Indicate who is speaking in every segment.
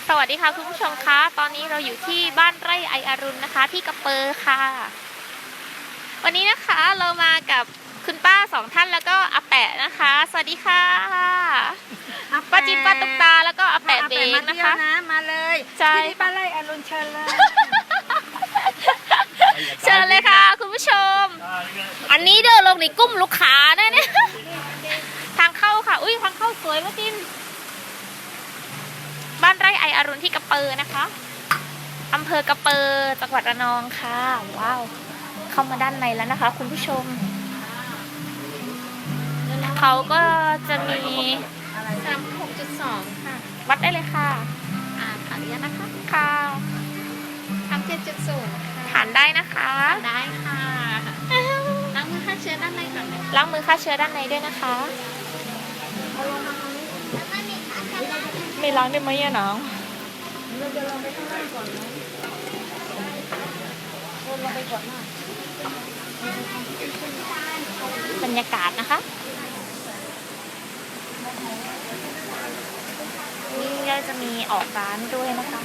Speaker 1: สวัสดีค่ะคุณผู้ชมคะตอนนี้เราอยู่ที่บ้านไร่ไออรุณนะคะที่กระเปอร์ค่ะวันนี้นะคะเรามากับคุณป้าสองท่านแล้วก็อาแปะนะคะสวัสดีค่ะป้าจิ๊บป้าตุ๊กตาแล้วก็อาแปะเบงนะคะ
Speaker 2: มาเลยที่บ้านไร่อรุณเชิญเลย
Speaker 1: เชิญเลยค่ะคุณผู้ชมอันนี้เดินลงในกุ้มลูกค้านะเนี่ยทางเข้าค่ะอุ้ยทางเข้าสวยมากจิ้มบ้านไร่ไออรุณที่กระเปอร์นะคะอำเภอกระเปอร์จังหวัดระนองค่ะว้าวเข้ามาด้านในแล้วนะคะคุณผู้ชมเขาก็จะมี
Speaker 2: 36.2ค่ะ
Speaker 1: วัดได้เลยค่ะ
Speaker 2: ขออนุญาตนะคะ
Speaker 1: ค่ะ
Speaker 2: 37.0
Speaker 1: ทานได้นะคะ
Speaker 2: ได้ค่ะล้างมือฆ่าเชื้อด้านในก่อน
Speaker 1: ล้างมือฆ่าเชื้อด้านในด้วยนะคะไม่ล้างได้ไหมอะน้อง
Speaker 2: เราจะลงไปข้างล่างก่อนนะลงไปก่อนนะ
Speaker 1: บรรยากาศนะคะนี่ก็จะมีออกร้านด้วยนะคะ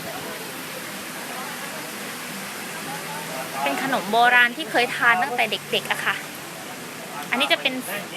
Speaker 1: เป็นขนมโบราณที่เคยทานตั้งแต่เด็กๆอะค่ะอันนี้จะเป็น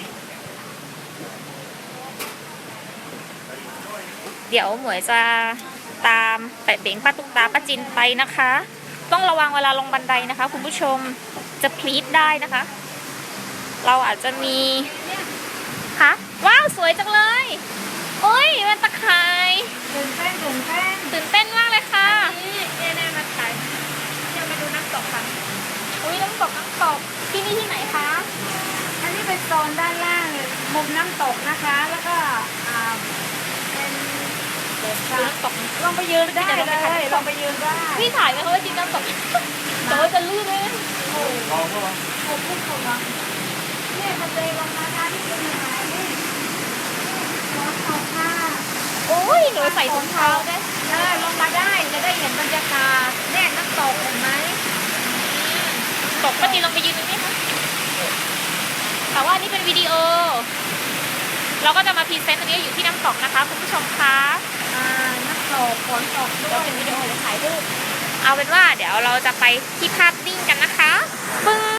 Speaker 1: เดี๋ยวหมวยจะตามแปะเบงป้าตุ๊กตาป้าจินไปนะคะต้องระวังเวลาลงบันไดนะคะคุณผู้ชมจะพลีดได้นะคะเราอาจจะมีค่ะว้าวสวยจังเลยโอ้ยมันตะข่าย
Speaker 2: ตื่นเต้น
Speaker 1: ตื่นเต้นมากเลยค่ะ
Speaker 2: นี่แน่ๆมาถ่ายเดี๋ยวมาดูน้ำตกค่ะ
Speaker 1: อุ้ยน้ำตกที่นี่ที่ไหนคะ
Speaker 2: อันนี้เป็นโซนด้านล่างมุมน้ำตกนะคะแล้วก็เป็น
Speaker 1: น้ำตกลองไปยืน
Speaker 2: ได้เลยลองไปยืนได้
Speaker 1: พี่ถ่ายไหมคะว่าจริงน้ำตกแต่ว่าจะลื่นเลย
Speaker 2: โอ้โหพูดถูกอ่ะเนี่ยมันเลยลงมาด้านที่เป็นยังไงนี่น้ำตกค่ะ
Speaker 1: โอ้ยหนูใส่ถุงเท้าได้
Speaker 2: ลงมาได้จะได้เห็นบรรยากาศแน่น้ำตกเห็นไหม
Speaker 1: ตกป้าจีลงไปยืนตรงนี้ค่ะแต่ว่านี่เป็นวิดีโอเราก็จะมาพรีเซนต์อันนี้อยู่ที่น้ำตกนะคะคุณผู้ชมคะ
Speaker 2: น้ำตกฝนตกด้
Speaker 1: ว
Speaker 2: ย
Speaker 1: เป็นวิดีโอหรือถ่ายรูปเอาเป็นว่าเดี๋ยวเราจะไปที่ภาพนิ่งกันนะคะปึ้ง